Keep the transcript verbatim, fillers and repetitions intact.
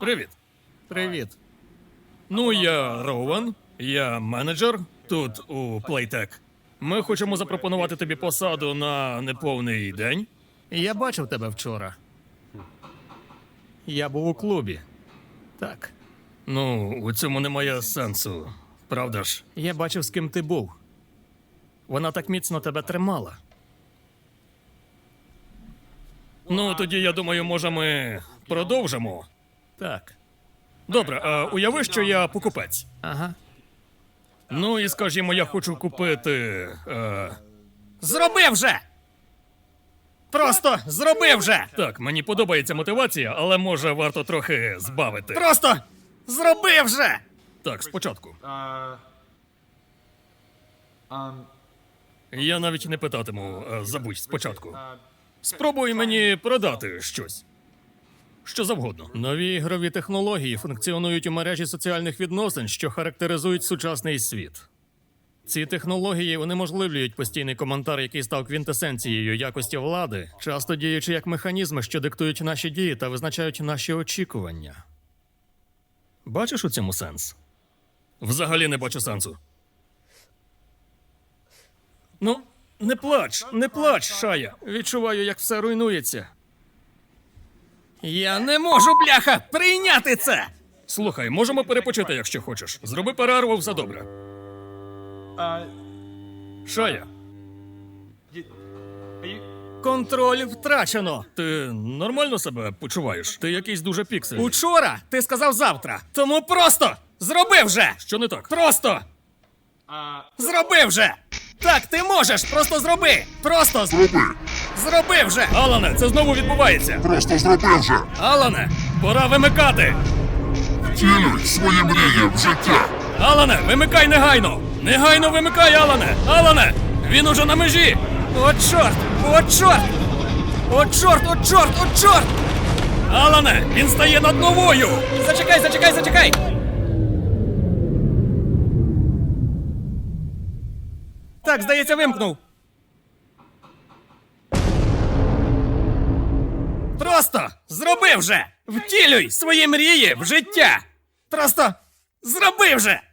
Привіт. Привіт. Ну, я Роуен, я менеджер тут у Playtech. Ми хочемо запропонувати тобі посаду на неповний день. Я бачив тебе вчора. Я був у клубі. Так. Ну, у цьому немає сенсу, правда ж? Я бачив, з ким ти був. Вона так міцно тебе тримала. Ну, тоді, я думаю, може, ми продовжимо. Так. Добре, а уяви, що я покупець. Ага. Ну і скажімо, я хочу купити. Е... Зроби вже! Просто зроби вже! Так, мені подобається мотивація, але може варто трохи збавити. Просто зроби вже! Так, спочатку. Uh, um, Я навіть не питатиму, е, забудь спочатку. uh, Спробуй мені продати щось. Що завгодно. Нові ігрові технології функціонують у мережі соціальних відносин, що характеризують сучасний світ. Ці технології унеможливлюють постійний коментар, який став квінтесенцією якості влади, часто діючи як механізми, що диктують наші дії та визначають наші очікування. Бачиш у цьому сенс? Взагалі не бачу сенсу. Ну, не плач, не плач, Шая. Відчуваю, як все руйнується. Я не можу, бляха, прийняти це! Слухай, можемо перепочити, якщо хочеш. Зроби перерву, все добре. uh, Шая, you, are you? контроль втрачено. Ти нормально себе почуваєш? Ти якийсь дуже піксельний. Учора ти сказав завтра. Тому просто зроби вже! Що не так? Просто Uh, зроби вже! Так, ти можеш! Просто зроби! Просто зроби! Зроби вже! Алане, це знову відбувається! Просто зроби вже! Алане, пора вимикати! Втілюй свої мрії в життя! Алане, вимикай негайно! Негайно вимикай, Алане! Алане! Він уже на межі! О, чорт! О, чорт! О, чорт! О, чорт! О, чорт! Алане, він стає над новою! Зачекай, зачекай, зачекай! Так, здається, вимкнув. Просто зроби вже! Втілюй свої мрії в життя! Просто зроби вже!